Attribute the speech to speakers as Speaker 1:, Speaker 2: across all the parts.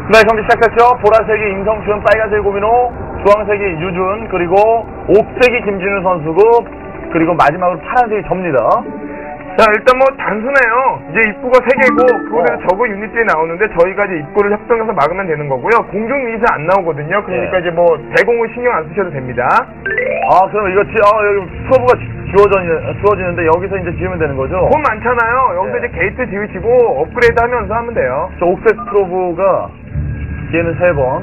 Speaker 1: 네, 경기 시작됐죠. 보라색이 임성춘, 빨간색이 고민호, 주황색이 유준, 그리고 옥색이 김진우 선수고, 그리고 마지막으로 파란색이 접니다.
Speaker 2: 자, 일단 뭐 단순해요. 이제 입구가 3개고 그곳에서 저거 유닛들이 나오는데 저희가 이제 입구를 협동해서 막으면 되는 거고요. 공중 유닛은 안 나오거든요. 그러니까 이제 뭐 대공을 신경 안 쓰셔도 됩니다.
Speaker 1: 아, 그럼 이거 여기 프로브가 주어지는데 여기서 이제 지으면 되는 거죠?
Speaker 2: 돈 많잖아요. 여기서 이제 게이트 지으시고 업그레이드 하면서 하면 돼요.
Speaker 1: 저 옥색 프로브가 얘는 3번.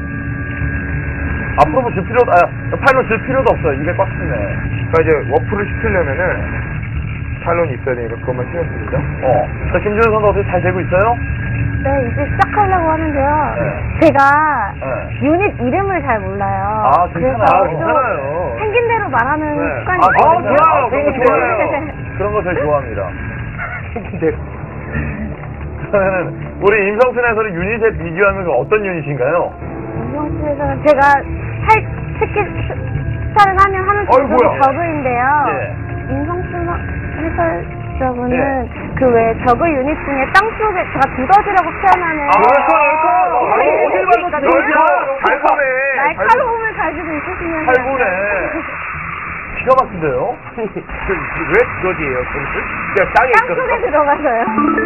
Speaker 1: 아, 프로브 줄 필요도, 파일럿 줄 필요도 없어요. 입에 꽉 찼네.
Speaker 2: 그러니까 이제 워프를 시키려면은 탈론이 있어야 되니까 그것만 신경 씁니다.
Speaker 1: 자, 김진우 선수 어떻게 잘 되고 있어요?
Speaker 3: 네, 이제 시작하려고 하는데요. 제가 유닛 이름을 잘 몰라요.
Speaker 1: 아, 괜찮아요.
Speaker 3: 괜찮아요. 생긴 대로 말하는 습관이
Speaker 1: 좋아요.
Speaker 3: 있거든요.
Speaker 1: 그런 거 좋아요. 그런 거 제일 좋아합니다.
Speaker 2: 생긴 대로.
Speaker 1: 그러면은 우리 임성춘 해설이 유닛에 비교하면 어떤 유닛인가요?
Speaker 3: 임성춘에서는 제가 스타를 하면
Speaker 2: 뭐야?
Speaker 3: 저그인데요.
Speaker 1: 예.
Speaker 3: 임성춘 해설자분은 그 외 저그 유닛 중에 땅속에 제가 두더지라고 표현하는
Speaker 1: 어딜 봐도 두더지야.
Speaker 2: 잘 보네.
Speaker 3: 날카로움을 가지고 있으시면
Speaker 1: 잘 보네. 기가 막힌데요?
Speaker 2: 왜 두더지예요? 그냥 땅에
Speaker 3: 땅속에 들어가서요.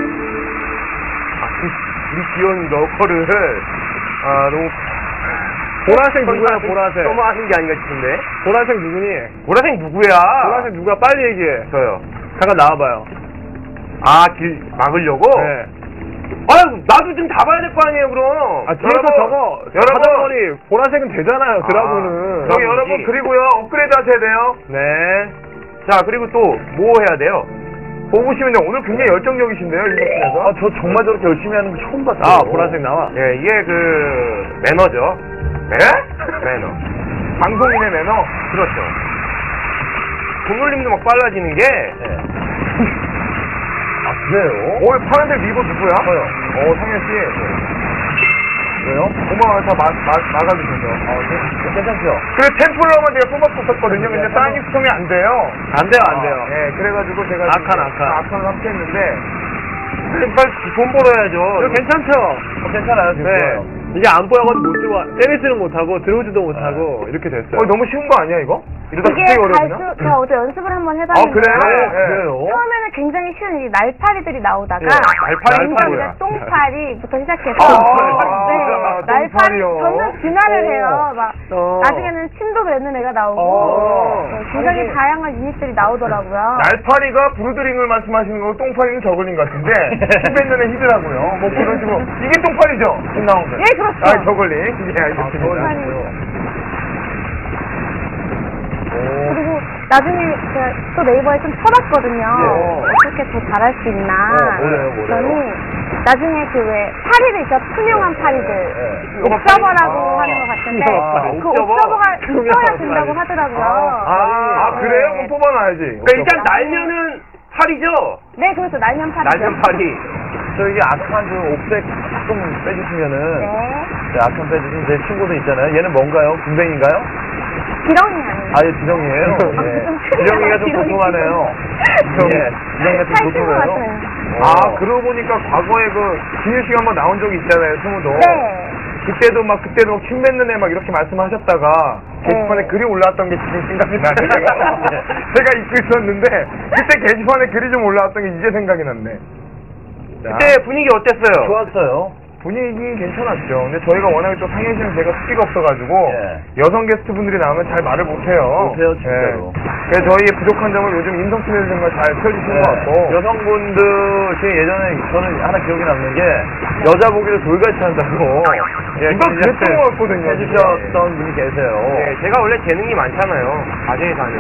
Speaker 2: 우리 귀여운 너커를 너무
Speaker 4: 보라색 누구야, 보라색?
Speaker 2: 너무 하는 게 아닌가 싶은데.
Speaker 4: 보라색 누구니?
Speaker 2: 보라색 누구야?
Speaker 4: 보라색 누구야? 빨리 얘기해.
Speaker 2: 저요.
Speaker 4: 잠깐 나와봐요.
Speaker 2: 길 막으려고?
Speaker 4: 네.
Speaker 2: 나도 좀 잡아야 될 거 아니에요, 그럼.
Speaker 4: 뒤에서 저거, 자전거리, 보라색은 되잖아요, 드라군은.
Speaker 2: 저기 여러분, 그리고요, 업그레이드 하셔야 돼요.
Speaker 4: 네.
Speaker 2: 자, 그리고 또, 뭐 해야 돼요? 보시면 오늘 굉장히 열정적이신데요, 인터넷에서.
Speaker 1: 저 정말 저렇게 열심히 하는 거 처음 봤어요.
Speaker 4: 보라색 나와.
Speaker 2: 예, 이게 매너죠. 네? 매너. 방송인의 매너? 그렇죠. 동물님도 막 빨라지는 게.
Speaker 1: 그래요?
Speaker 2: 파란색 리버 누구야?
Speaker 1: 저요.
Speaker 2: 성현씨.
Speaker 1: 왜요?
Speaker 2: 고마워요. 다 막아주셔서.
Speaker 1: 괜찮죠?
Speaker 2: 그래, 템플러만 제가 뽑았었거든요. 근데 사인이 수정이 안 돼요.
Speaker 4: 안 돼요.
Speaker 2: 예, 그래가지고 제가.
Speaker 4: 아칸.
Speaker 2: 함께 했는데. 빨리 돈 벌어야죠.
Speaker 4: 이거 괜찮죠?
Speaker 1: 괜찮아요, 지금.
Speaker 4: 네. 이게 안 보여가지고 못 들어와. 테니스는 못하고, 들어오지도 못하고, 이렇게 됐어요.
Speaker 2: 너무 쉬운 거 아니야, 이거? 이러다
Speaker 3: 이게
Speaker 2: 갑자기 어려우냐?
Speaker 3: 제가 어제 연습을 한번 해봤는데
Speaker 1: 그래요?
Speaker 3: 처음에는 굉장히 쉬운 이 날파리들이 나오다가
Speaker 2: 날파리가
Speaker 3: 똥파리부터 시작해서 날파리
Speaker 2: 똥파리요.
Speaker 3: 점점 진화를 해요. 나중에는 침도 뱉는 애가 나오고 굉장히 다양한 유닛들이 나오더라고요.
Speaker 2: 날파리가 브루드링을 말씀하시는 거고 똥파리는 저글링 같은데 히 뱉는 애 히드라고요. 뭐 그런 식으로 이게 똥파리죠? 지금 나온 거.
Speaker 3: 예, 그렇죠.
Speaker 2: 저글링. 예, 알겠습니다.
Speaker 3: 그리고 나중에 제가 또 네이버에 좀 쳐봤거든요. 어떻게 더 잘할 수 있나. 그랬더니 나중에 파리들 있죠. 투명한 파리들. 옥서버라고 하는 것 같은데 그 옥서버가 있어야 된다고 하더라고요.
Speaker 2: 그래요? 그럼 뽑아놔야지. 그러니까 일단 날면은 파리죠?
Speaker 3: 네, 그렇죠. 날면 파리죠.
Speaker 2: 날면 파리.
Speaker 1: 저기 아칸 옥색 조금 빼주시면은. 네, 아칸 빼주시면 제 친구들 있잖아요. 얘는 뭔가요? 군뱅인가요?
Speaker 3: 지렁이 아니에요?
Speaker 1: 예, 지렁이에요. 지렁이가 좀 보통하네요. 지렁이가 좀 보통해요.
Speaker 2: 그러고 보니까 과거에 진유 씨가 한번 나온 적이 있잖아요, 스무도.
Speaker 3: 네.
Speaker 2: 그때도 침 뱉는 애 이렇게 말씀하셨다가 게시판에 글이 올라왔던 게 지금 생각이 나네요. 제가 입고 있었는데 그때 게시판에 글이 좀 올라왔던 게 이제 생각이 났네. 그때 분위기 어땠어요?
Speaker 1: 좋았어요.
Speaker 2: 분위기 괜찮았죠. 근데 저희가 워낙에 또 상해시는 제가 숫기가 없어가지고 여성 게스트분들이 나오면 잘 말을 못해요.
Speaker 1: 진짜로.
Speaker 2: 그래서 저희의 부족한 점을 요즘 임성춘 선생님과 잘 펴주시는 것 같고.
Speaker 1: 여성분들 중에 예전에 저는 하나 기억이 남는 게 여자 보기를 돌같이 한다고
Speaker 2: 누가 그랬던 것 같거든요.
Speaker 1: 해주셨던 분이 계세요.
Speaker 2: 제가 원래 재능이 많잖아요. 과제에 사는.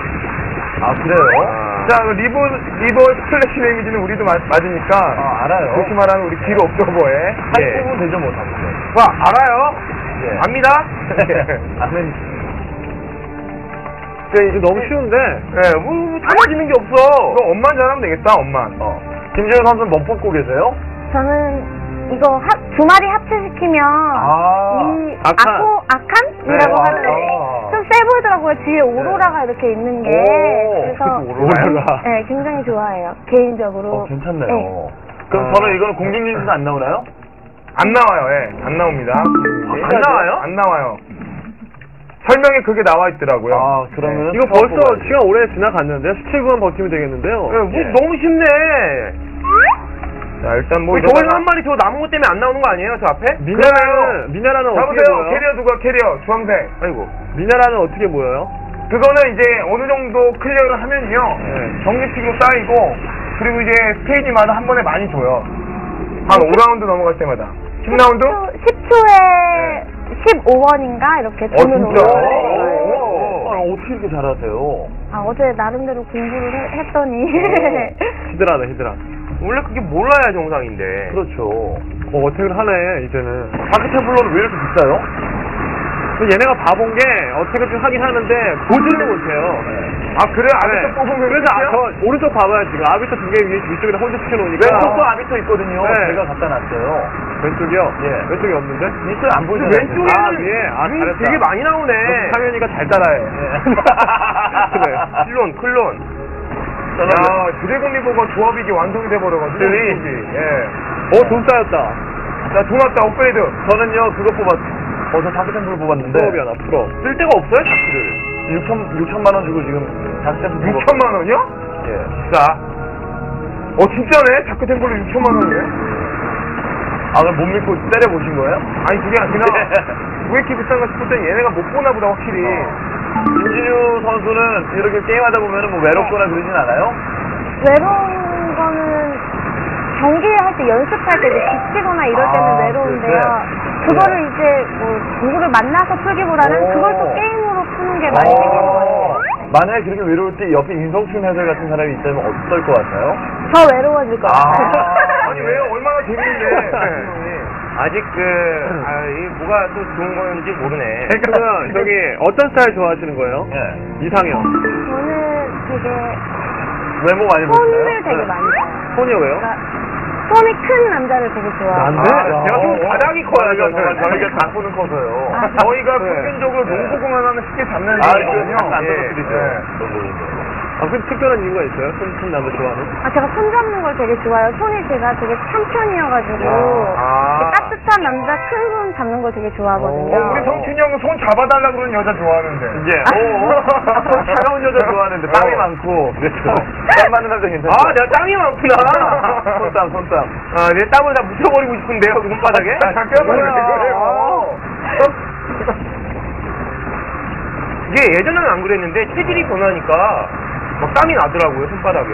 Speaker 1: 그래요?
Speaker 2: 자, 리버 스플래시 데미지는 우리도 맞으니까.
Speaker 1: 알아요.
Speaker 2: 조심하라는 우리 길 옵저버에.
Speaker 1: 할 부분 되죠, 뭐,
Speaker 2: 알아요? 압니다?
Speaker 1: 아는.
Speaker 4: 이거 너무 쉬운데?
Speaker 2: 다 맞는 게 없어. 그럼 엄만 잘하면 되겠다, 엄만.
Speaker 1: 김재현 선수는 뭐 뽑고 계세요?
Speaker 3: 저는 이거 두 마리 합체시키면 이 아칸이라고 하는데 좀 세 보이더라고요. 뒤에 오로라가 이렇게 있는 게. 그래서
Speaker 1: 오로라.
Speaker 3: 네, 굉장히 좋아해요. 개인적으로.
Speaker 1: 괜찮네요. 그럼 저는 이거는 공중유닛은 안 나오나요?
Speaker 2: 안 나와요. 예, 안 나옵니다.
Speaker 5: 안 나와요?
Speaker 2: 안 나와요. 설명에 그게 나와 있더라고요.
Speaker 1: 아, 그러면
Speaker 4: 이거 벌써 시간 오래 지나갔는데 17분만 버티면 되겠는데요.
Speaker 5: 너무 쉽네.
Speaker 2: 자, 일단 뭐
Speaker 5: 저걸 한 마리 저 남은 것 때문에 안 나오는 거 아니에요, 저 앞에?
Speaker 4: 미나라는 어떻게
Speaker 2: 잡으세요.
Speaker 4: 보여요?
Speaker 2: 캐리어 누가 캐리어? 주황색.
Speaker 5: 아이고.
Speaker 4: 미나라는 어떻게 보여요?
Speaker 2: 그거는 이제 어느 정도 클리어를 하면요. 정규식으로 쌓이고, 그리고 이제 스테이지마다 한 번에 많이 줘요. 한 5라운드 넘어갈 때마다. 10라운드?
Speaker 3: 10초에 15원인가 이렇게 돈을
Speaker 2: 진짜?
Speaker 3: 올려요.
Speaker 1: 어떻게 이렇게 잘하세요?
Speaker 3: 아, 어제 나름대로 공부를 했더니
Speaker 4: 히드라네, 히드라.
Speaker 5: 원래 그게 몰라야 정상인데.
Speaker 1: 그렇죠.
Speaker 4: 어택을 하네, 이제는.
Speaker 1: 다크테블러는 왜 이렇게 비싸요?
Speaker 4: 얘네가 봐본 게 어택을 좀 하긴 하는데 보지를 못해요.
Speaker 2: 아, 그래? 아비터 뽑으면
Speaker 4: 그래서 저 오른쪽 봐봐요, 지금. 아비터 두 개 위쪽에다 홀드 시켜놓으니까.
Speaker 1: 왼쪽도 아비터 있거든요.
Speaker 4: 네.
Speaker 1: 제가 갖다 놨어요.
Speaker 4: 왼쪽이요?
Speaker 1: 예.
Speaker 4: 왼쪽이 없는데?
Speaker 1: 있어요, 안 보이잖아요.
Speaker 5: 왼쪽에는
Speaker 4: 아, 위에? 아,
Speaker 5: 눈이
Speaker 4: 잘했다.
Speaker 5: 되게 많이 나오네.
Speaker 4: 상현이가 잘 따라해.
Speaker 5: 클론, 클론.
Speaker 2: 야, 드래곤 리버가 조합이 이게 완성이 돼버려가지고. 예.
Speaker 4: 돈 쌓였다.
Speaker 2: 자, 돈 왔다, 업그레이드.
Speaker 1: 저는요, 그거 저 다크템플러 뽑았는데.
Speaker 4: 프로비 하나, 프로.
Speaker 5: 쓸 데가 없어요, 자크를.
Speaker 1: 6천만 원 주고 지금 다크템플러
Speaker 2: 6천만 원이요?
Speaker 1: 예.
Speaker 2: 자. 진짜네? 다크 템플러 6천만 원이네?
Speaker 1: 아, 그럼 못 믿고 때려보신 거예요?
Speaker 2: 아니, 그게 아니라, 왜 이렇게 비싼가 싶었더니 얘네가 못 보나 보다, 확실히.
Speaker 1: 김진유 선수는 이렇게 게임하다 보면 뭐 외롭거나 그러진 않아요?
Speaker 3: 외로운 거는 경기할 때 연습할 때 이제 지치거나 이럴 때는
Speaker 1: 아,
Speaker 3: 외로운데요.
Speaker 1: 그래.
Speaker 3: 그거를 이제 뭐 누구를 만나서 풀기보다는 그걸 또 게임으로 푸는 게 많이 생긴 거예요.
Speaker 1: 만약에 그렇게 외로울 때 옆에 임성춘 해설 같은 사람이 있다면 어떨 것 같아요?
Speaker 3: 더 외로워질 것 같아요.
Speaker 2: 아니, 왜요? 얼마나 재밌는데.
Speaker 5: 아직 이 뭐가 또 좋은 건지 모르네.
Speaker 4: 그러면 저기 어떤 스타일 좋아하시는 거예요?
Speaker 1: 예.
Speaker 4: 이상형.
Speaker 3: 저는 되게
Speaker 1: 외모 많이 보시나요?
Speaker 3: 손을 되게 많이 봐요.
Speaker 4: 손이요, 왜요?
Speaker 3: 그러니까 손이 큰 남자를 되게 좋아해요.
Speaker 5: 제가 좀 바닥이 커요,
Speaker 1: 저희가 각본은 커서요.
Speaker 3: 아,
Speaker 2: 저희가
Speaker 4: 네.
Speaker 2: 평균적으로 농구공을 하면 쉽게 잡는
Speaker 1: 아,
Speaker 2: 거거든요.
Speaker 1: 그거 안
Speaker 2: 예.
Speaker 1: 떨어뜨리죠.
Speaker 2: 예.
Speaker 4: 그 특별한 이유가 있어요? 큰 남자 좋아하는?
Speaker 3: 제가 손 잡는 걸 되게 좋아해요. 손이 제가 되게 참편이어가지고
Speaker 2: 아.
Speaker 3: 따뜻한 남자 큰 손 잡는 걸 되게 좋아하거든요.
Speaker 2: 우리 성춘이 형은 손 잡아달라 그러는 여자 좋아하는데.
Speaker 1: 이제, 손 차가운 여자 좋아하는데 땀이 많고, 그렇죠. 땀 많은 남자 괜찮죠?
Speaker 5: 내가 땀이 많구나.
Speaker 1: 손땀.
Speaker 5: 내 땀을 다 묻혀버리고 싶은데요, 그 손바닥에?
Speaker 2: 잠깐만요.
Speaker 5: 이게 예전에는 안 그랬는데 체질이 변하니까 막 땀이 나더라고요, 손바닥에.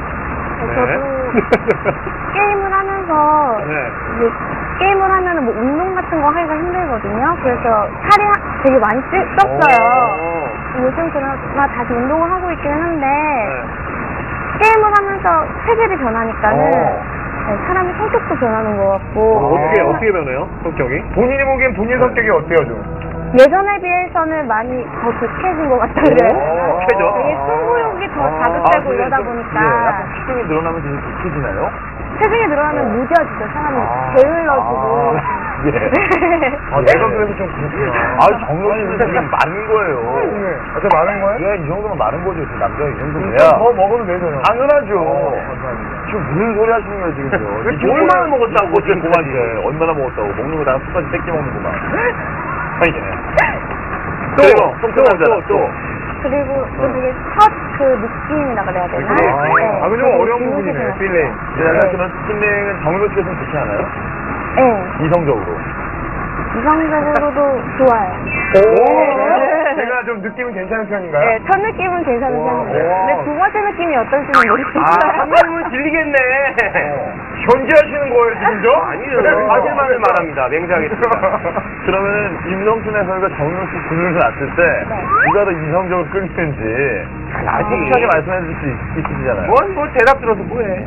Speaker 3: 저도 게임을 하면서
Speaker 4: 네.
Speaker 3: 이제 게임을 하면은 뭐 운동 같은 거 하기가 힘들거든요. 그래서 살이 되게 많이 쪘어요. 요즘 그나마 다시 운동을 하고 있기는 한데 게임을 하면서 체질이 변하니까는 사람의 성격도 변하는 것 같고.
Speaker 4: 어떻게 변해요? 성격이?
Speaker 2: 본인이 보기엔 본인 성격이 어때요, 좀?
Speaker 3: 예전에 비해서는 많이 더 독해진 것 같다 그래요.
Speaker 5: 독해져?
Speaker 3: 되게 승부욕이 더 자극되고 이러다 보니까
Speaker 1: 약간 체중이 늘어나면 되게 독해지나요?
Speaker 3: 체중이 늘어나면 무뎌지죠. 사람이 게을러지고.
Speaker 1: 예.
Speaker 2: 내가 그래서 좀 그렇구나.
Speaker 1: 정론이 되게 많은 거예요.
Speaker 2: 저 많은 거예요?
Speaker 1: 야, 이 정도면 많은 거죠. 남자가 이 정도면.
Speaker 2: 더 먹어도 되잖아요.
Speaker 1: 당연하죠.
Speaker 2: 감사합니다.
Speaker 1: 지금 무슨 소리 하시는 거예요, 지금요?
Speaker 5: 얼마나 먹었다고, 지금
Speaker 1: 고만데 얼마나 먹었다고. 먹는 거 다 숟가락 뺏기 먹는구만. 아니,
Speaker 4: 또.
Speaker 3: 그리고 또 되게 첫 그 느낌이라 그래야 되나?
Speaker 2: 그거 좀 어려운 부분이네,
Speaker 3: 재밌게
Speaker 2: 필링.
Speaker 1: 그러면 스킨링은 정로 측에서는 좋지 않아요?
Speaker 3: 네.
Speaker 1: 이성적으로.
Speaker 3: 이성적으로도 좋아요.
Speaker 2: 제가 좀 느낌은 괜찮은 편인가요?
Speaker 3: 네, 첫 느낌은 괜찮은 편이에요. 근데 두 번째 느낌이 어떨지는 모르겠어요.
Speaker 5: 한 명은 질리겠네.
Speaker 2: 견제하시는 거예요, 지금 저?
Speaker 5: 아니요. 사실만을 말합니다. 맹세하겠습니다.
Speaker 1: 그러면 임성춘 해설과 정용수 군을 놨을 때 누가 더 이성적으로 끌리는지 솔직하게 말씀해 줄 수 있으시잖아요.
Speaker 5: 뭐 대답 들어서 뭐해.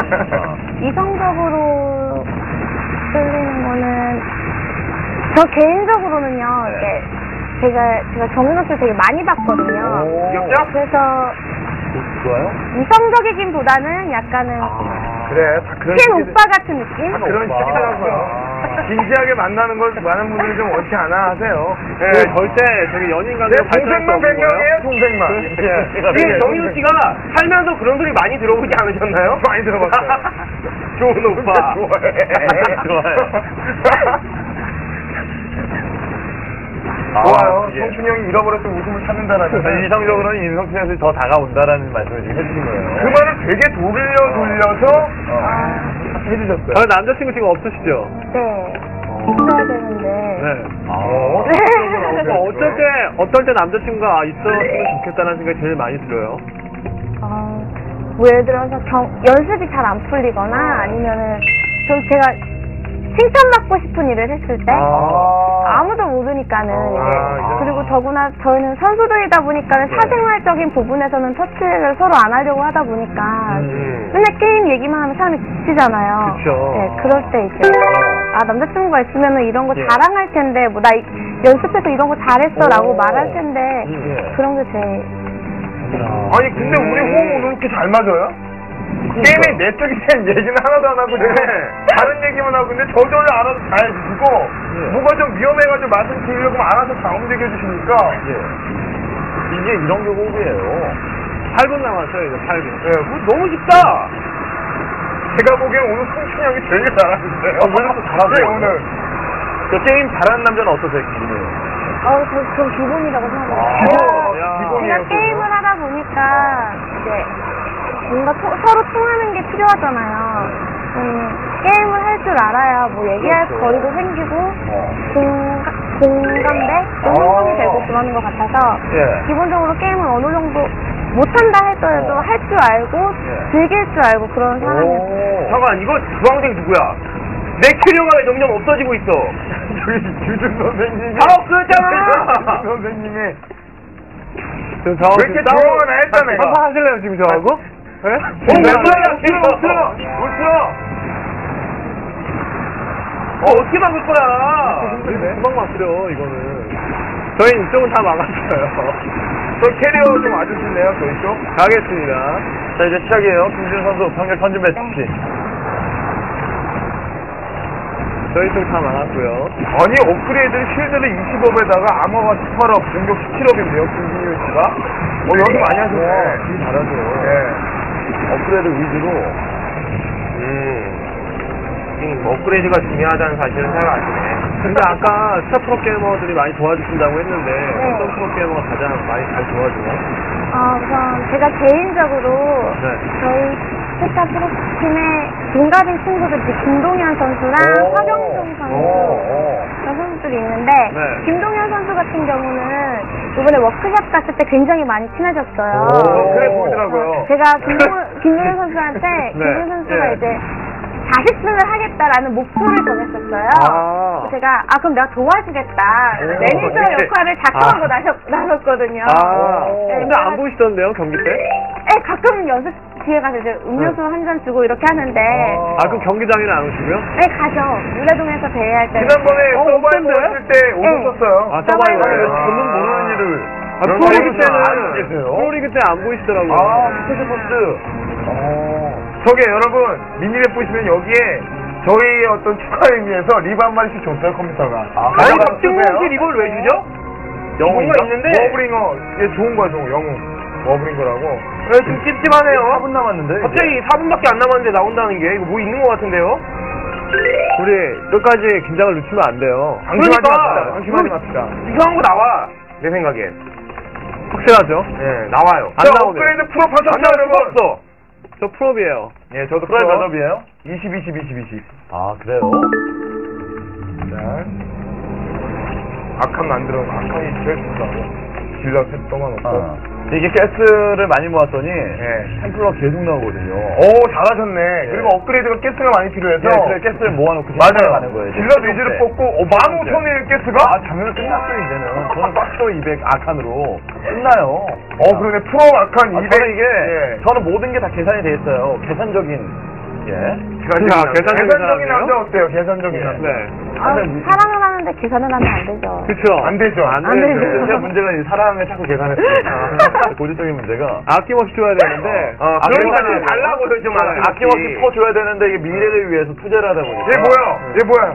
Speaker 3: 이성적으로 끌리는 거는 저 개인적으로는요. 이렇게 제가 정윤호씨 되게 많이 봤거든요.
Speaker 5: 귀엽죠?
Speaker 3: 그래서
Speaker 1: 좋아요?
Speaker 3: 이성적이긴보다는 약간은
Speaker 2: 그래, 다 그런
Speaker 3: 친 오빠 같은 느낌?
Speaker 2: 그런 식이더라고요. 진지하게 만나는 걸 많은 분들이 좀 원치 않아 하세요.
Speaker 4: 네, 절대 저기 연인 관계가 발전할 수
Speaker 2: 동생만
Speaker 4: 없는 거예요?
Speaker 2: 100명이에요, 동생만.
Speaker 5: 지금 정인우 씨가 살면서 그런 소리 많이 들어보지 않으셨나요?
Speaker 2: 많이 들어봤어요.
Speaker 5: 좋은 오빠.
Speaker 2: 좋아해. 좋아요.
Speaker 1: 예.
Speaker 2: 성춘이 형이 잃어버렸던 웃음을 찾는다라는.
Speaker 1: 이성적으로는 인성춘 선수이 더 다가온다라는 말씀을 지금 해주신 거예요.
Speaker 2: 그 말을 되게 돌려서 해주셨어요.
Speaker 4: 남자친구 지금 없으시죠?
Speaker 3: 네. 있어야 되는데.
Speaker 4: 네.
Speaker 3: 네.
Speaker 4: 어떨 때 남자친구가 있었으면 좋겠다는 생각이 제일 많이 들어요.
Speaker 3: 뭐 예를 들어서 연습이 잘 안 풀리거나 아니면은 좀 제가 칭찬받고 싶은 일을 했을 때 아무도 모르니까는 이제 그리고 더구나 저희는 선수들이다 보니까는 사생활적인 부분에서는 터치를 서로 안 하려고 하다 보니까 맨날 게임 얘기만 하면 사람이 지치잖아요.
Speaker 4: 그쵸.
Speaker 3: 네, 그럴 때 이제 남자친구가 있으면은 이런 거 자랑할 텐데 뭐 나 연습해서 이런 거 잘했어라고 말할 텐데 그런 게 제일
Speaker 2: 아니 근데 우리 호흡 오늘 이렇게 잘 맞아요? 게임에 내적인 얘기는 하나도 안 하고 다른 얘기만 하고 근데 저절로 알아서 잘 듣고 뭐가 좀 위험해가지고 말씀 드리려고 하면 알아서 다 움직여 주시니까
Speaker 1: 이게 이런 게 호흡이에요.
Speaker 4: 8분 남았어요, 이제 8분.
Speaker 5: 너무 쉽다.
Speaker 2: 제가 보기엔 오늘 성춘이 형이 되게 잘하는데요.
Speaker 1: 왜 이렇게 잘하세요?
Speaker 2: 네, 오늘
Speaker 1: 그 게임 잘하는 남자는 어떠세요, 기분이?
Speaker 3: 전 기본이라고 생각해요.
Speaker 2: 기본이에요.
Speaker 3: 제가 게임을 하다 보니까 이제 뭔가 서로 통하는 게 필요하잖아요. 게임을 할 줄 알아야 뭐 얘기할 거리도 생기고 공감대? 공동성이 되고 그러는 것 같아서 기본적으로 게임을 어느 정도 못한다 할더라도 할 줄 알고 즐길 줄 알고 그런 사람이에요.
Speaker 5: 잠깐 이거 주황색 누구야? 내 캐리어가 왜 점점 없어지고 있어?
Speaker 2: 저기 규준 선생님이
Speaker 5: 다 없어졌잖아.
Speaker 2: 규준 선생님이
Speaker 4: 왜
Speaker 2: 왜 이렇게 조용하나 했다 내가.
Speaker 4: 한판 하실래요, 지금 저하고? 네?
Speaker 5: 왜 그러냐? 못 틀어. 어떻게 막을 거야?
Speaker 4: 금방 막으려, 이거는. 저희 이쪽은 다 막았어요.
Speaker 2: 저 캐리어 좀 와주실래요? 저희 쪽?
Speaker 4: 가겠습니다.
Speaker 1: 자, 이제 시작이에요. 김준 선수 평균 던진 매치.
Speaker 4: 저희 쪽 다 막았고요.
Speaker 2: 아니 업그레이드 쉴드를 20업에다가 아머가 18업, 공격 17업인데요 김진율 씨가. 연습 많이 하시네.
Speaker 1: 되게 잘하죠. 업그레이드 위주로.
Speaker 5: 업그레이드가 중요하다는 사실은 잘 아시네.
Speaker 4: 근데 아까 스타 프로게이머들이 많이 도와주신다고 했는데 어떤 프로게이머가 가장 많이 잘 도와줘요?
Speaker 3: 우선 제가 개인적으로 저희 스타 프로팀의 동갑인 친구들 김동현 선수랑 화경종 선수 그런 선수들이 있는데 김동현 선수 같은 경우는 이번에 워크샵 갔을 때 굉장히 많이 친해졌어요.
Speaker 2: 그래 보이더라고요.
Speaker 3: 제가 김동현 선수한테 김동현 선수가 이제 자식승을 하겠다라는 목표를 정했었어요. 그래서 제가 그럼 내가 도와주겠다. 매니저 역할을 작정하고 나섰거든요.
Speaker 4: 근데 안 보이시던데요, 경기 때?
Speaker 3: 네, 가끔 연습 뒤에 가서 이제 음료수 한 잔 주고 이렇게 하는데.
Speaker 4: 그럼 경기장에는 안 오시고요?
Speaker 3: 네, 가죠. 울레동에서 대회할 때.
Speaker 2: 지난번에 서바이벌 했을 때 오셨었어요.
Speaker 4: 서바이벌.
Speaker 1: 저는 모르는 일을.
Speaker 4: 프로리그 때 안 보이시더라고요.
Speaker 1: 스페셜포스.
Speaker 2: 저게 여러분 미니맵 보시면 여기에 저희의 어떤 축하 의미에서 리브 한 마리씩 줬어요 컴퓨터가.
Speaker 5: 아니 박진웅 씨 이걸 왜 주죠?
Speaker 2: 영웅인가?
Speaker 5: 있는데
Speaker 2: 워브링어. 얘 좋은 거야 좋은 영웅. 워브링거라고.
Speaker 5: 좀 찝찝하네요.
Speaker 1: 4분 남았는데.
Speaker 5: 갑자기 4분밖에 안 남았는데 나온다는 게 이거 뭐 있는 것 같은데요?
Speaker 4: 우리 끝까지 긴장을 늦추면 안 돼요.
Speaker 2: 방심하지 맙시다.
Speaker 5: 이상한 거 나와 내 생각엔.
Speaker 4: 확실하죠?
Speaker 5: 네 나와요.
Speaker 4: 안 나오네요.
Speaker 2: 업그레이드 프로 하셨죠 여러분?
Speaker 5: 없어.
Speaker 4: 저 프로비에요.
Speaker 2: 예, 저도
Speaker 1: 프라이
Speaker 2: 프로.
Speaker 1: 몇업이에요?
Speaker 2: 20, 20, 20, 20.
Speaker 1: 그래요?
Speaker 2: 자. 악한 만들어, 악한이 제일 좋다고. 질러 셋 떠가놓고.
Speaker 1: 이게 가스를 많이 모았더니
Speaker 2: 예.
Speaker 1: 템플러가 계속 나오거든요.
Speaker 2: 오, 잘하셨네. 그리고 업그레이드가 가스가 많이 필요해서.
Speaker 1: 그래 가스를 모아놓고
Speaker 2: 맞아요.
Speaker 1: 가는 거예요.
Speaker 2: 질러 위주를 뽑고, 15,000의 가스가?
Speaker 1: 작년에 끝났어요 이제는. 저는 박스로 200 아칸으로 끝나요.
Speaker 2: 그러네. 프로 악한 200.
Speaker 1: 저는 이게
Speaker 2: 예.
Speaker 1: 저는 모든 게 다 계산이 돼 있어요. 계산적인
Speaker 2: 계산적인 남자 어때요? 계산적인 남자.
Speaker 4: 네.
Speaker 3: 사랑을 하는데 계산을 하면 안 되죠.
Speaker 4: 그쵸.
Speaker 2: 안 되죠.
Speaker 3: 안 되죠.
Speaker 1: 제가 문제가 이 사랑을 자꾸 계산했으니까 고질적인 문제가
Speaker 4: 아낌없이 줘야 되는데.
Speaker 5: 그러니까 좀 달라고요 좀
Speaker 1: 아낌없이 퍼줘야 되는데 이게 미래를 위해서 투자를 하다 보니까
Speaker 2: 얘 뭐야?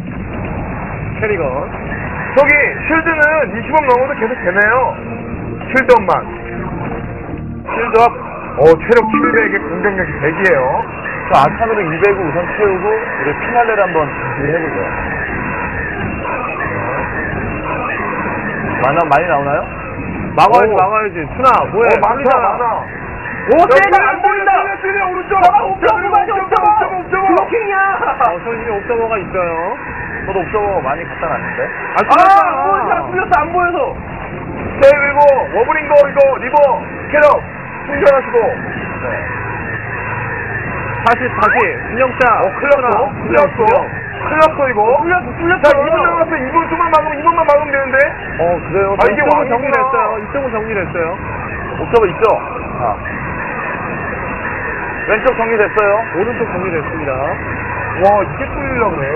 Speaker 4: 캐리건.
Speaker 2: 저기 쉴드는 20원 넘어도 계속 되네요. 쉴드업만. 쉴드업. 체력 700에 공격력이 100이에요.
Speaker 1: 저 아칸으로 200을 우선 채우고 우리 피날레를 한번 준비해보죠. 많이 나오나요?
Speaker 4: 막아야지. 순아, 뭐해?
Speaker 2: 많아.
Speaker 5: 오, 세가 안 보인다.
Speaker 2: 세가 오른쪽.
Speaker 5: 옵저버. 블로킹이야.
Speaker 4: 선생님 옵저버가 있어요.
Speaker 1: 저도 옵저버 많이 갖다 놨는데.
Speaker 5: 안 보였어. 안 보여서.
Speaker 2: 네, 그리고 워브링거 이거 리버 캐럿 충전하시고.
Speaker 1: 네.
Speaker 4: 다시. 진영차.
Speaker 2: 클났어 이거.
Speaker 5: 뚫렸어.
Speaker 2: 자, 2분 남았어. 2분 좀만 막으면 2분만 막으면 되는데.
Speaker 1: 그래요?
Speaker 2: 아, 이게
Speaker 4: 이쪽은
Speaker 2: 왕이구나.
Speaker 4: 정리됐어요. 이쪽은 정리됐어요.
Speaker 1: 옵저버 있죠? 자. 왼쪽 정리됐어요.
Speaker 4: 오른쪽 정리됐습니다.
Speaker 2: 와, 이게 뚫리려고 그래.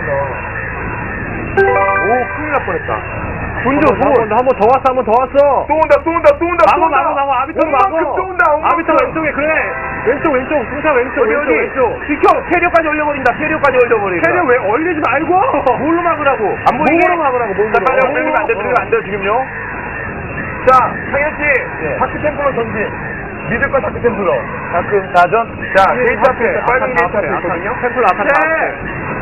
Speaker 2: 오, 큰일 날 뻔했다.
Speaker 4: 한 번 더 왔어.
Speaker 2: 또 온다.
Speaker 4: 막어. 아비터로 막어.
Speaker 2: 또 온다.
Speaker 4: 아비터 왼쪽에, 그래. 왼쪽. 승차 왼쪽.
Speaker 5: 비켜. 캐리어까지 올려버린다.
Speaker 4: 캐리어 왜 얼리지 말고.
Speaker 5: 뭘로 막으라고? 안 보이게?
Speaker 4: 몸으로 막으라고, 몸으로.
Speaker 1: 자, 빨리 들리면 안 돼요, 지금요.
Speaker 2: 자, 상현씨.
Speaker 1: 예.
Speaker 2: 다크 템플러 전진. 믿을까, 다크 템플러.
Speaker 1: 다크 다전.
Speaker 2: 자, 게이트 앞에. 빨간 게이트 앞에 있거든요.
Speaker 4: 템플 아칸 다 앞에.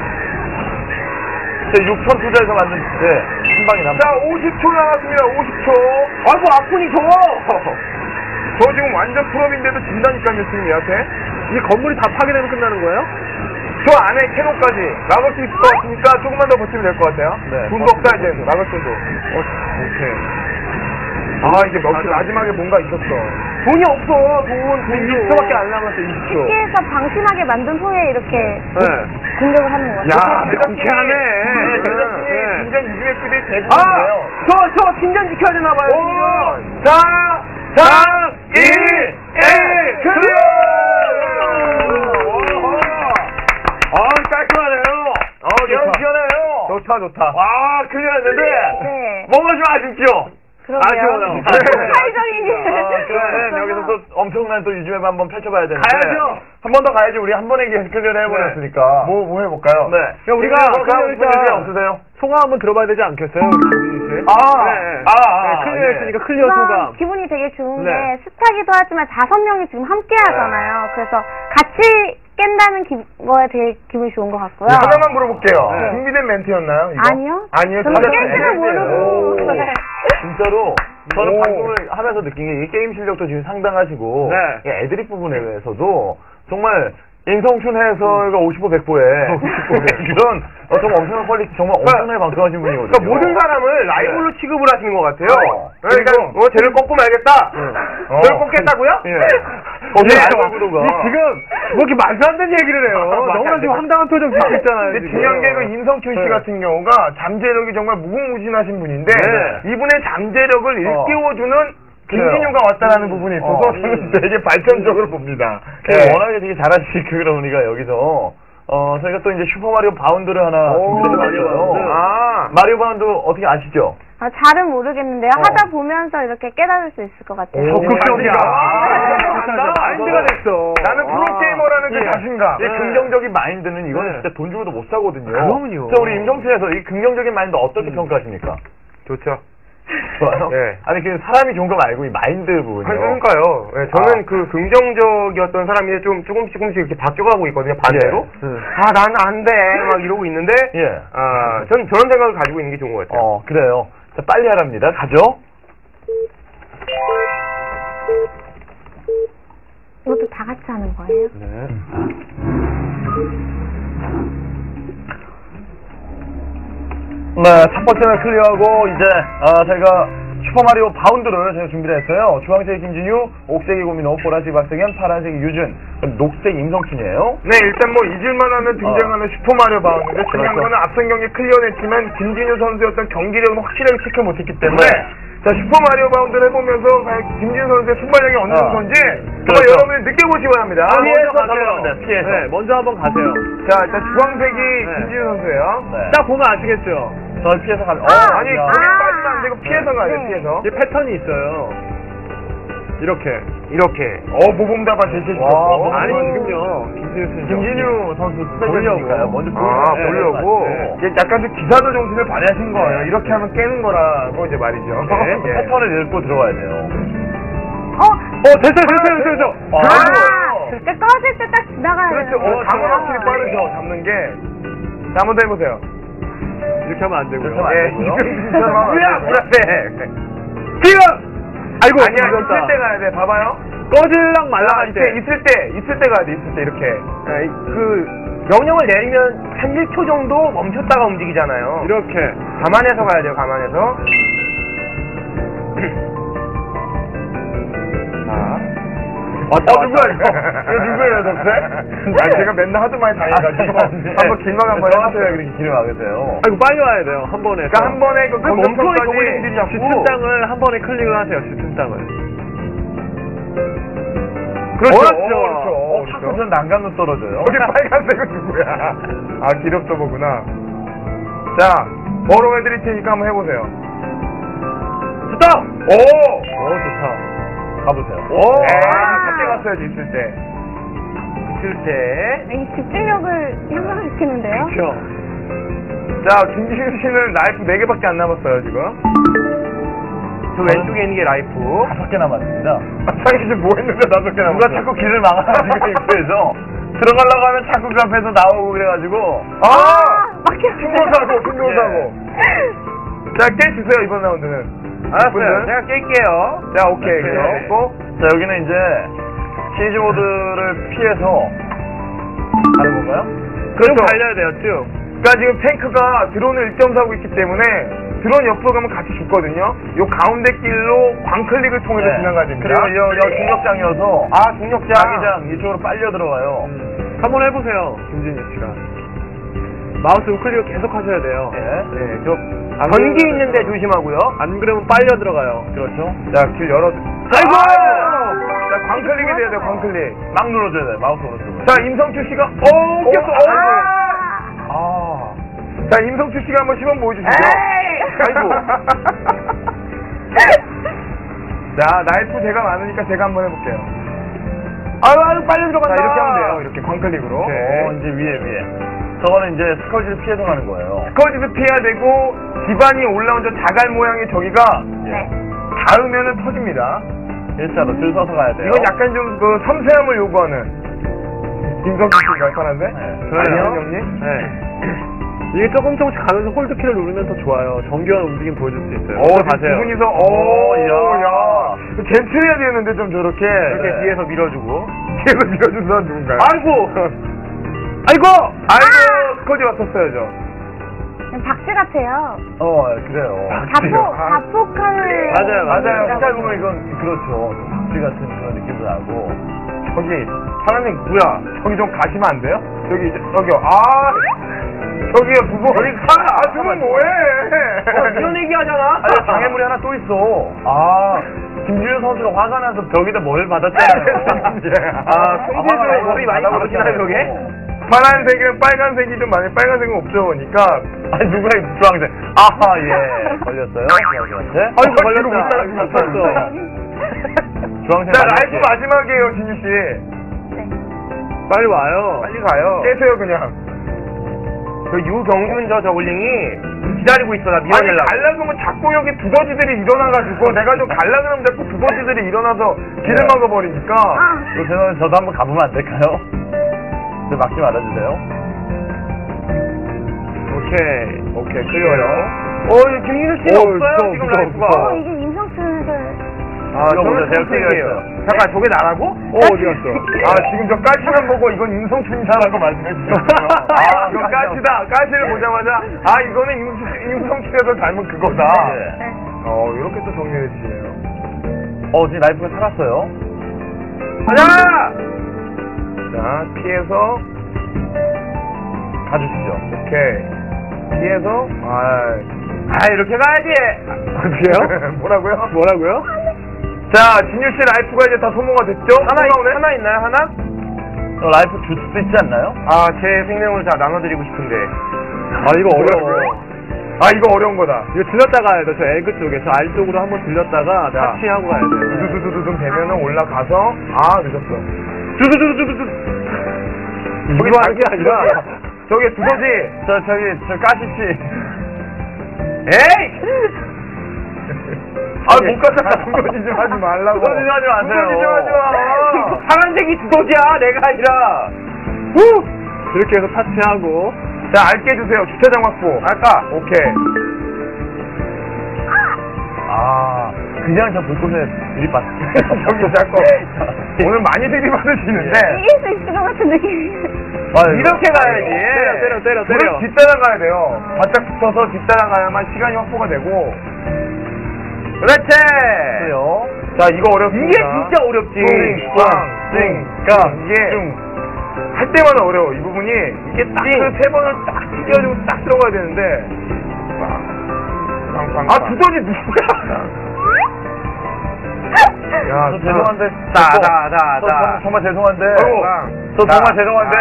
Speaker 1: 제 6천 투자해서 만든, 한 방이 남았어요.
Speaker 2: 자, 50초 남았습니다. 50초.
Speaker 5: 아이고, 아프니 저거.
Speaker 2: 저 지금 완전 풀업인데도 진다니까요, 지금 얘한테.
Speaker 4: 이 건물이 다 파괴되면 끝나는 거예요?
Speaker 2: 저 안에 캐논까지 막을 수 있을 것 같으니까 조금만 더 버티면 될 것 같아요.
Speaker 1: 네.
Speaker 2: 돈도 없다, 이제. 막을 돈도.
Speaker 4: 오케이.
Speaker 2: 이제 마지막에 뭔가 있었어.
Speaker 5: 돈이 없어. 돈 20초밖에 안 남았어. 20초.
Speaker 3: 쉽게해서 방심하게 만든 후에 이렇게
Speaker 4: 네.
Speaker 3: 공격을 하는 거죠.
Speaker 4: 명쾌하네.
Speaker 2: 대장님이 진짜 이중의 끄대 대부분이에요.
Speaker 5: 저 팀장 지켜야 되나 봐요.
Speaker 2: 4, 3, 2, 1, 클리어!
Speaker 1: 깔끔하네요. 시원해요.
Speaker 2: 좋다.
Speaker 1: 와, 큰일 났는데.
Speaker 3: 네.
Speaker 1: 뭔가 좀 아쉽죠?
Speaker 3: 그러게요. 파이적인
Speaker 1: 그래, 여기서 또 엄청난 또 유즈맵 한번 펼쳐봐야 되는데.
Speaker 5: 가야죠.
Speaker 1: 한 번 더 가야죠. 우리 한 번에 클리어를 해버렸으니까.
Speaker 2: 뭐 해볼까요?
Speaker 1: 네.
Speaker 4: 그러니까 우리가
Speaker 1: 클리어 없으세요?
Speaker 4: 송화 한번 들어봐야 되지 않겠어요? 우리 클리어 했으니까 클리어 소감.
Speaker 3: 기분이 되게 좋은
Speaker 4: 네.
Speaker 3: 게 스타기도 하지만 5명이 지금 함께 하잖아요. 그래서 같이 깬다는 거에 되게 기분이 좋은 것 같고요.
Speaker 2: 하나만 물어볼게요.
Speaker 3: 네.
Speaker 2: 준비된 멘트였나요? 이거?
Speaker 3: 아니요.
Speaker 2: 아니요.
Speaker 3: 저는
Speaker 2: 다들
Speaker 3: 깰 줄을 모르고. 네.
Speaker 1: 진짜로 저는
Speaker 4: 오.
Speaker 1: 방송을 하면서 느낀 게 이 게임 실력도 지금 상당하시고
Speaker 4: 네.
Speaker 1: 이 애드립 부분에 대해서도 정말 인성춘 해설가 50호 100호에 그런 정말 엄청난 퀄리티 정말 엄청나게 방송하신 분이거든요.
Speaker 5: 그러니까 모든 사람을 라이벌로 취급을 하시는 것 같아요. 그러니까
Speaker 1: 그리고
Speaker 5: 쟤를 꺾고 말겠다. 쟤를 꺾겠다고요?
Speaker 1: 예.
Speaker 4: 지금 뭐 이렇게 말도 안 되는 얘기를 해요. 너무나 지금 황당한 표정 짓고 있잖아요.
Speaker 2: 근데 중요한 게 그 인성춘 씨 같은 경우가 잠재력이 정말 무궁무진하신 분인데
Speaker 1: 네.
Speaker 2: 이분의 잠재력을 일깨워주는 김진유가 왔다라는 부분이 있어서 저는 되게 발전적으로 봅니다.
Speaker 1: 워낙에 되게 잘하시고 그러니까 여기서 저희가 또 이제 슈퍼마리오 바운드를 하나 준비해봤어요. 마리오 바운드 어떻게 아시죠?
Speaker 3: 잘은 모르겠는데요. 하다 보면서 이렇게 깨달을 수 있을 것 같아요.
Speaker 4: 적극적이야. 마인드가 됐어.
Speaker 2: 나는 프로게이머라는 그 자신감.
Speaker 1: 이 긍정적인 마인드는 이거는 진짜 돈 주고도 못 사거든요.
Speaker 4: 그럼요.
Speaker 1: 자, 우리 임정수에서 이 긍정적인 마인드 어떻게 평가하십니까?
Speaker 2: 좋죠.
Speaker 1: 좋아요?
Speaker 2: 예.
Speaker 1: 아니, 그 사람이 좋은 거 말고 이 마인드 부분이요.
Speaker 2: 그러니까요. 예, 저는 그 긍정적이었던 사람이 조금씩 이렇게 바뀌어가고 있거든요. 반대로. 난 안 돼. 막 이러고 있는데.
Speaker 1: 예.
Speaker 2: 전 저런 생각을 가지고 있는 게 좋은 것 같아요.
Speaker 1: 그래요. 자, 빨리 하랍니다. 가죠?
Speaker 3: 이것도 다 같이 하는 거예요?
Speaker 1: 네. 네, 첫 번째는 클리어하고, 이제, 저희가 슈퍼마리오 바운드를 저희가 준비를 했어요. 주황색 김진유, 옥색이 고민호, 보라색 박성현, 파란색이 유준, 녹색 임성춘이에요.
Speaker 2: 네, 일단 뭐 잊을만 하면 등장하는 슈퍼마리오 바운드인데 중요한
Speaker 1: 그렇죠.
Speaker 2: 거는 앞선 경기 클리어냈지만 김진유 선수의 어떤 경기력은 확실하게 체크 못했기 때문에 자, 슈퍼마리오 바운드를 해보면서 과연 김진유 선수의 순발력이 어느 정도인지 정말
Speaker 1: 그렇죠.
Speaker 2: 여러분이 느껴보시기 바랍니다.
Speaker 1: 피해서
Speaker 4: 가세요.
Speaker 1: 가세요. 피해서.
Speaker 4: 네, 먼저 한번 가세요.
Speaker 2: 자, 일단 주황색이 김진유 선수예요.
Speaker 1: 네.
Speaker 4: 딱 보면 아시겠죠?
Speaker 1: 저 피해서 가면,
Speaker 2: 아니,
Speaker 1: 야.
Speaker 2: 거기 빠지면 안 되고 피해서 가야 돼,
Speaker 3: 네.
Speaker 2: 피해서.
Speaker 4: 이게 패턴이 있어요. 이렇게.
Speaker 2: 모범답안 제시해
Speaker 1: 와,
Speaker 2: 주셨고.
Speaker 4: 아니, 지금요.
Speaker 2: 김진유 선수 스페셜이니까요.
Speaker 1: 먼저
Speaker 2: 보려고.
Speaker 4: 네.
Speaker 2: 이게 약간 좀 기사도 정신을 발휘하신 거예요. 이렇게 하면 깨는 거라고 이제 말이죠.
Speaker 1: 패턴을 읽고 들어와야 돼요.
Speaker 4: 됐어요.
Speaker 1: 그래도
Speaker 3: 있을 때 꺼질 때 딱 지나가야
Speaker 2: 그렇죠.
Speaker 3: 되는 거죠.
Speaker 2: 감은 확실히 빠르죠. 잡는 게. 자, 한번 더 해보세요.
Speaker 4: 이렇게 하면 안 되고요.
Speaker 1: 그렇게 하면 안 되고요.
Speaker 2: 뭐야, 뭐야,
Speaker 4: 지금! 아이고,
Speaker 2: 아니야,
Speaker 4: 늦었다.
Speaker 2: 있을 때 가야 돼. 봐봐요.
Speaker 4: 꺼질랑 말랑할 때.
Speaker 2: 있을 때 가야 돼. 있을 때 이렇게.
Speaker 5: 명령을 내리면 한 1초 정도 멈췄다가 움직이잖아요.
Speaker 4: 이렇게.
Speaker 5: 감안해서 가야 돼요, 감안해서. 자.
Speaker 4: 왔다,
Speaker 2: 누구야, 이거? 이거 누구예요, 덕세? 아, 제가 맨날 하도 많이 당해가지고. 한번 길막 한번 해보세요.
Speaker 1: 그렇게 길을 막으세요.
Speaker 4: 아이고, 빨리 와야 돼요. 한 번에.
Speaker 2: 그러니까 한 번에 그
Speaker 5: 멈춰 있고
Speaker 2: 공격선까지.
Speaker 5: 자꾸.
Speaker 4: 짙은 땅을 한 번에 클릭을 하세요, 짙은 땅을.
Speaker 2: 그렇죠.
Speaker 1: 그렇죠. 자꾸 전 난간으로 떨어져요.
Speaker 2: 여기 빨간색은 누구야? 아, 기럽서버구나. 자, 뭐로 해드릴 테니까 한번 해보세요.
Speaker 5: 스톱!
Speaker 2: 오!
Speaker 4: 좋다.
Speaker 1: 가보세요.
Speaker 2: 오! 그때 갔어야지, 있을 때.
Speaker 5: 있을 때.
Speaker 3: 이 집중력을 향상시키는데요.
Speaker 4: 그렇죠.
Speaker 2: 자, 김지훈 씨는 라이프 4개밖에 안 남았어요, 지금.
Speaker 5: 저 왼쪽에 있는 게 라이프.
Speaker 1: 5개 남았습니다.
Speaker 2: 아, 상희 씨뭐 했는데 5개 남았어요?
Speaker 1: 누가 자꾸 길을 막아가지고 입구에서 들어가려고 하면 자꾸 그 앞에서 나오고 그래가지고
Speaker 3: 막혀.
Speaker 2: 충고사고. 자, 깨 주세요, 이번 라운드는.
Speaker 5: 알았어요.
Speaker 2: 분들.
Speaker 5: 제가 깰게요.
Speaker 2: 자, 오케이.
Speaker 1: 네.
Speaker 2: 그렇고.
Speaker 1: 자 여기는 이제 시리즈 모드를 피해서 하는 건가요?
Speaker 5: 쭉 달려야 돼요, 쭉.
Speaker 2: 그러니까 지금 탱크가 드론을 1.4고 있기 때문에 드론 옆으로 가면 같이 죽거든요. 요 가운데 길로 광클릭을 통해서 지나가야 됩니다.
Speaker 1: 그리고 여 중력장이어서
Speaker 5: 아, 중력장.
Speaker 1: 자기장 이쪽으로 빨려 들어가요.
Speaker 4: 한번 해보세요, 김진희 씨가. 마우스 우클릭을 계속 하셔야 돼요.
Speaker 1: 네.
Speaker 5: 저 전기 있는데 조심하고요.
Speaker 4: 안 그러면 빨려 들어가요.
Speaker 1: 그렇죠.
Speaker 2: 자, 길 열어.
Speaker 5: 아이고!
Speaker 2: 자, 광클릭이 돼야 돼요, 광클릭.
Speaker 1: 막 눌러줘야 돼. 마우스 오른쪽으로.
Speaker 2: 자, 임성추 씨가, 꼈어. 자, 임성추 씨가 한번 시범 보여주시죠. 아이고. 자, 나이프 제가 많으니까 제가 한번 해볼게요.
Speaker 5: 아유, 빨리 들어간다.
Speaker 2: 자, 이렇게 하면 돼요. 이렇게 광클릭으로.
Speaker 1: 이제 위에. 저거는 이제 스컬지를 피해서 가는 거예요.
Speaker 2: 스커지도 피해야 되고, 기반이 올라온 저 자갈 모양의 저기가
Speaker 3: 네.
Speaker 2: 닿으면은 터집니다.
Speaker 1: 일자로 줄 서서 가야 돼요.
Speaker 2: 이건 약간 좀 그 섬세함을 요구하는. 임성추 씨가 편한데?
Speaker 1: 그래요?
Speaker 2: 형님?
Speaker 4: 네. 이게 조금씩 가면서 홀드키를 누르면 더 좋아요. 정교한 움직임 보여줄 수 있어요.
Speaker 2: 두
Speaker 4: 가세요.
Speaker 2: 분이서, 야. 젠틀해야 되는데 좀 저렇게.
Speaker 5: 이렇게 뒤에서 밀어주고.
Speaker 2: 뒤에서 밀어준 사람 누군가요?
Speaker 5: 아이고!
Speaker 2: 아이고! 스커지 왔었어야죠.
Speaker 3: 박쥐 같아요.
Speaker 1: 그래요.
Speaker 3: 자폭함을.
Speaker 1: 맞아요.
Speaker 3: 네.
Speaker 1: 색깔 보면 이건 그렇죠. 박쥐 같은 그런 느낌도 나고.
Speaker 2: 저기, 사장님, 뭐야? 저기 좀 가시면 안 돼요? 저기요. 저기요, 두 분.
Speaker 5: 저기 가!
Speaker 2: 두 분 뭐해?
Speaker 5: 이런 얘기 하잖아.
Speaker 1: 아니, 장애물이 하나 또 있어. 김준현 선수가 화가 나서 벽에다 뭘 받았잖아요.
Speaker 5: 손질도 물이 많이 받으시나요, 벽에?
Speaker 2: 파란색은 빨간색이 좀 많이, 빨간색은 없죠, 보니까.
Speaker 1: 아니, 누가 이 주황색. 아하, 예. 걸렸어요. 주황색한테.
Speaker 4: 아이고,
Speaker 2: 뒤로 못
Speaker 4: 걸렸다.
Speaker 2: 따라갔어.
Speaker 1: 주황색.
Speaker 2: 자, 라이프 마지막이에요, 진유씨.
Speaker 3: 네.
Speaker 4: 빨리 와요.
Speaker 2: 빨리 가요. 깨세요, 그냥.
Speaker 5: 저 유경준 저 저글링이 기다리고 있어, 나
Speaker 2: 아니,
Speaker 5: 밀어내려고.
Speaker 2: 갈라 그러면 자꾸 여기 두더지들이 일어나가지고, 내가 좀 갈라 그러면 자꾸 두더지들이 일어나서 길을 막아버리니까.
Speaker 1: 죄송한데 저도 한번 가보면 안 될까요? 저 막지 말아주세요.
Speaker 2: 오케이, 클리어요.
Speaker 5: 김민수 씨는 없어요, 지금 라이프가.
Speaker 3: 이게 임성춘을.
Speaker 1: 이거 보세요. 제가
Speaker 5: 선생님이에요.
Speaker 1: 클리어했어요.
Speaker 5: 잠깐, 저게 나라고?
Speaker 2: 어디 갔어? 지금 저 까치만 보고 이건 임성춘이다라고 말씀해 주셨어요. 이거 까치다. 까치를 보자마자, 이거는 임성춘에서 닮은 그거다.
Speaker 1: 네.
Speaker 2: 이렇게 또 정리해 주시네요.
Speaker 1: 지금 라이프가 살았어요.
Speaker 5: 가자!
Speaker 2: 자, 피해서,
Speaker 1: 가주시죠.
Speaker 2: 오케이. 피해서,
Speaker 5: 이렇게 가야지.
Speaker 2: 어디요? 뭐라고요? 자, 진유씨 라이프가 이제 다 소모가 됐죠?
Speaker 5: 하나 있나요, 하나?
Speaker 1: 라이프 줄 수 있지 않나요?
Speaker 5: 제 생명을 다 나눠드리고 싶은데.
Speaker 4: 이거 어려워.
Speaker 2: 이거 어려운 거다.
Speaker 4: 이거 들렸다 가야 돼. 저 에그 쪽에. 저 알 쪽으로 한번 들렸다가
Speaker 2: 자.
Speaker 4: 타치하고 가야 돼.
Speaker 2: 두두두두둥 되면은 올라가서, 늦었어.
Speaker 4: 두두두두두두.
Speaker 2: 저기
Speaker 4: 이거 하는 게 아니라.
Speaker 2: 저기 두더지.
Speaker 1: 저 까시치.
Speaker 5: 에이!
Speaker 2: 못 갔다. 두더지 좀 하지 말라고.
Speaker 1: 두더지 좀 하지 마세요.
Speaker 2: 두더지 좀 하지 마.
Speaker 5: 파란색이 두더지야, 내가 아니라.
Speaker 4: 이렇게 해서 파티하고.
Speaker 2: 자, 알게 해주세요. 주차장 확보.
Speaker 5: 아까.
Speaker 2: 오케이.
Speaker 1: 아, 그냥 저 불꽃에 들이받.
Speaker 2: 저기 자꾸 오늘 많이 들이받으시는데
Speaker 3: 이길 수 있을 것 같은 느낌이.
Speaker 2: 이렇게 가야지.
Speaker 4: 때려.
Speaker 2: 물을 뒷따라가야 돼요. 바짝 붙어서 뒷따라가야만 시간이 확보가 되고. 그렇지.
Speaker 1: 그래요.
Speaker 2: 자, 이거 어렵습니다.
Speaker 5: 이게 진짜 어렵지.
Speaker 2: 이게 할 때마다 어려워. 이 부분이 이게 딱 그 세 번을 딱 튀겨가지고 딱 들어가야 되는데. 아, 두더지 누구야? 야,
Speaker 1: 저 죄송한데.
Speaker 5: 다.
Speaker 1: 정말 죄송한데.
Speaker 2: 저
Speaker 1: 정말 죄송한데.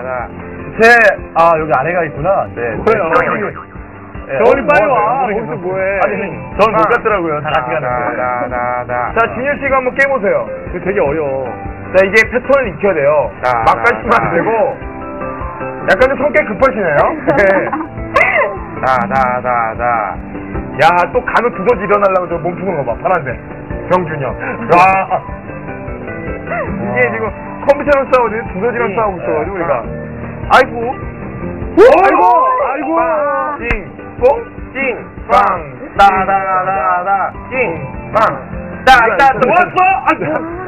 Speaker 1: 여기 아래가 있구나. 네.
Speaker 4: 뭐예요? 저리 빨리 와. 거기서 뭐해?
Speaker 1: 아니, 저는 못 갔더라고요. 다 같이 가는데.
Speaker 2: 자, 진유 씨가 한번 깨보세요.
Speaker 4: 이거 되게 어려워.
Speaker 2: 자, 이게 패턴을 익혀야 돼요. 막 가시면 안 되고. 약간 좀 성격 급하시네요. 네. 야, 또 간혹 두더지 일어나려고 저 몸 푸는 거 봐. 파란색. 병준이 형. 와. 이게 지금 컴퓨터랑 싸우지 두더지랑 싸우고 있어가지고 우리가. 아이고. 아이고. 찡. 뽕. 찡. 빵. 따다다다. 찡. 빵. 따따. 왔어?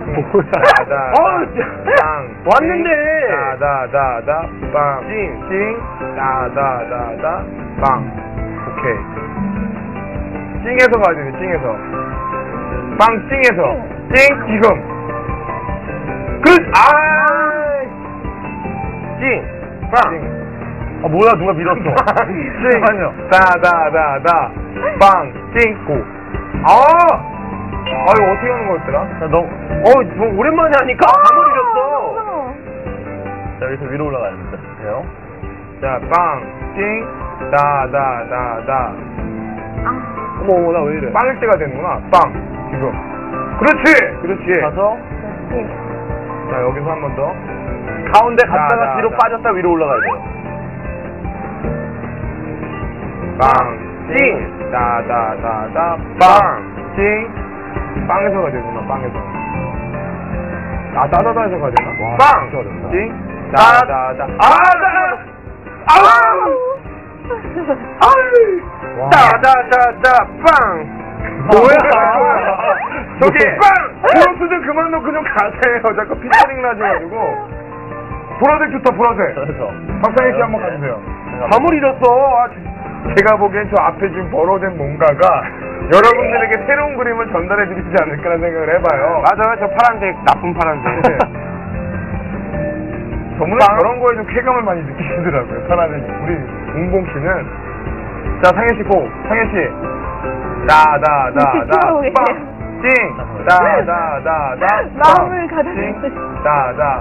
Speaker 2: 빵.
Speaker 5: 왔는데.
Speaker 2: 다다다다. 빵. 찡. 다다다다. 빵. 오케이. 찡에서 가야 되네, 찡에서. 빵, 찡에서. 찡, 지금. 찡. 빵.
Speaker 1: 아, 뭐야, 누가 밀었어. 잠깐만요.
Speaker 2: 다다다다. 빵, 찡, 고. 이거 어떻게 하는 거였더라?
Speaker 1: 자, 너,
Speaker 5: 너 오랜만에 하니까 감을 잃었어.
Speaker 1: 자, 여기서 위로 올라가야 됩니다. 돼요?
Speaker 2: 자, 빵, 찡, 다다다다.
Speaker 4: 어머, 나 왜 이래?
Speaker 2: 빵일 때가 되는구나. 빵, 지금. 그렇지.
Speaker 1: 가서,
Speaker 2: 자, 여기서 한 번 더.
Speaker 1: 가운데 갔다가
Speaker 2: 자,
Speaker 1: 뒤로
Speaker 2: 자.
Speaker 1: 빠졌다 위로 올라가야 돼요.
Speaker 2: 빵, 찡, 다다다다. 빵, 찡. 빵에서 가야 되구나, 빵에서. 따다다에서 가야 되나?
Speaker 1: 와,
Speaker 2: 빵,
Speaker 1: 진짜 어렵다.
Speaker 2: 찡, 다다다. 와.
Speaker 5: 따다다다 빵.
Speaker 2: 뭐야? 저기 빵! 브로스 좀 그만 놓고 좀 가세요. 자꾸 피처링 나셔가지고. 보라색 좋다, 보라색.
Speaker 1: 그래서.
Speaker 2: 박상희 씨 한번 가주세요.
Speaker 5: 감을 잃었어.
Speaker 2: 제가 보기엔 저 앞에 지금 벌어진 뭔가가 여러분들에게 새로운 그림을 전달해드리지 않을까라는 생각을 해봐요.
Speaker 5: 맞아요, 저 파란색, 나쁜 파란색.
Speaker 2: 저분은 저런 거에 좀 쾌감을 많이 느끼시더라고요. 편안해. 우리 웅봉 씨는. 자, 상현 씨 고. 상현 씨. 다다다다. 빵. 찡. 다다다다.
Speaker 3: 마음을 가다듬고
Speaker 2: 찡. 다다.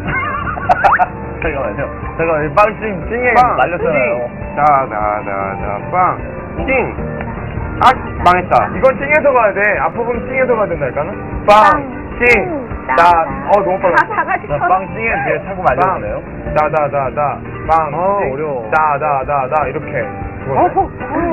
Speaker 1: 잠깐만요. 잠깐만, 빵찡, 찡에
Speaker 2: 빵.
Speaker 1: 날렸잖아요.
Speaker 2: 다다다다. 빵.
Speaker 5: 찡. 망했다.
Speaker 2: 이건 찡에서 가야 돼. 앞부분 찡에서 가야 된다니까는. 빵. 찡. 너무 빨라.
Speaker 3: 다 같이
Speaker 1: 자, 빵찡에 뒤에 차고 말렸네요.
Speaker 2: 다다다다. 빵. 찡.
Speaker 4: 어려워.
Speaker 2: 다다다다. 이렇게.
Speaker 3: 어.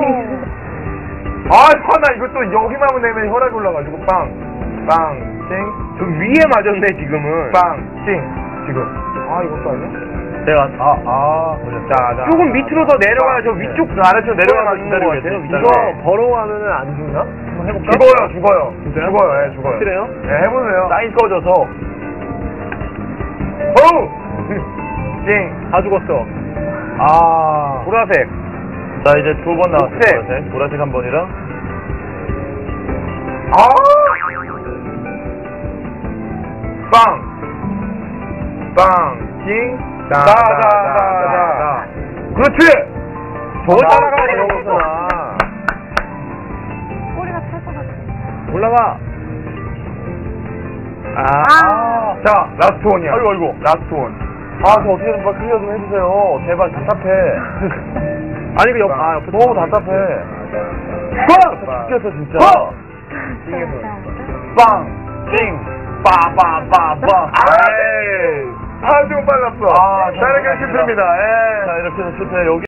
Speaker 2: 나 이거 또 여기만 내면 혈압이 올라가지고 빵, 찡,
Speaker 5: 저 위에 맞았네, 지금은.
Speaker 2: 빵, 찡. 지금. 이것도 아니야?
Speaker 1: 내가, 걸렸다.
Speaker 5: 조금 밑으로 더 내려가야 저 위쪽
Speaker 1: 아래쪽 내려가면
Speaker 5: 있는 것 같아요.
Speaker 4: 이거 벌어가면은 안 죽나? 한번 해볼까?
Speaker 2: 죽어요.
Speaker 4: 진짜요?
Speaker 2: 죽어요. 죽어요.
Speaker 4: 확실해요?
Speaker 2: 네, 해보세요.
Speaker 1: 사인 꺼져서.
Speaker 2: 찡.
Speaker 4: 다 죽었어.
Speaker 5: 보라색.
Speaker 1: 자, 이제 두 번 나왔어요.
Speaker 5: 녹색.
Speaker 1: 보라색. 보라색 한 번이랑.
Speaker 2: 빵, 찡, 다다다다. 그렇지!
Speaker 5: 저거 따라가야
Speaker 2: 되는
Speaker 5: 되는 거구나.
Speaker 3: 꼬리가 탈 것 같아.
Speaker 4: 올라가.
Speaker 2: 자, 라스트 원이야.
Speaker 1: 아이고.
Speaker 2: 라스트 원.
Speaker 1: 저 어떻게 좀 클리어 좀 해주세요. 제발, 답답해.
Speaker 4: 아니, 그 옆에
Speaker 1: 너무 답답해. 죽겠어, 진짜. 빵, 찡, 빠빠빠빠.
Speaker 2: 좀 빨랐어. 자, 이렇게 실패입니다.
Speaker 1: 자, 이렇게 해서 실패. 여기.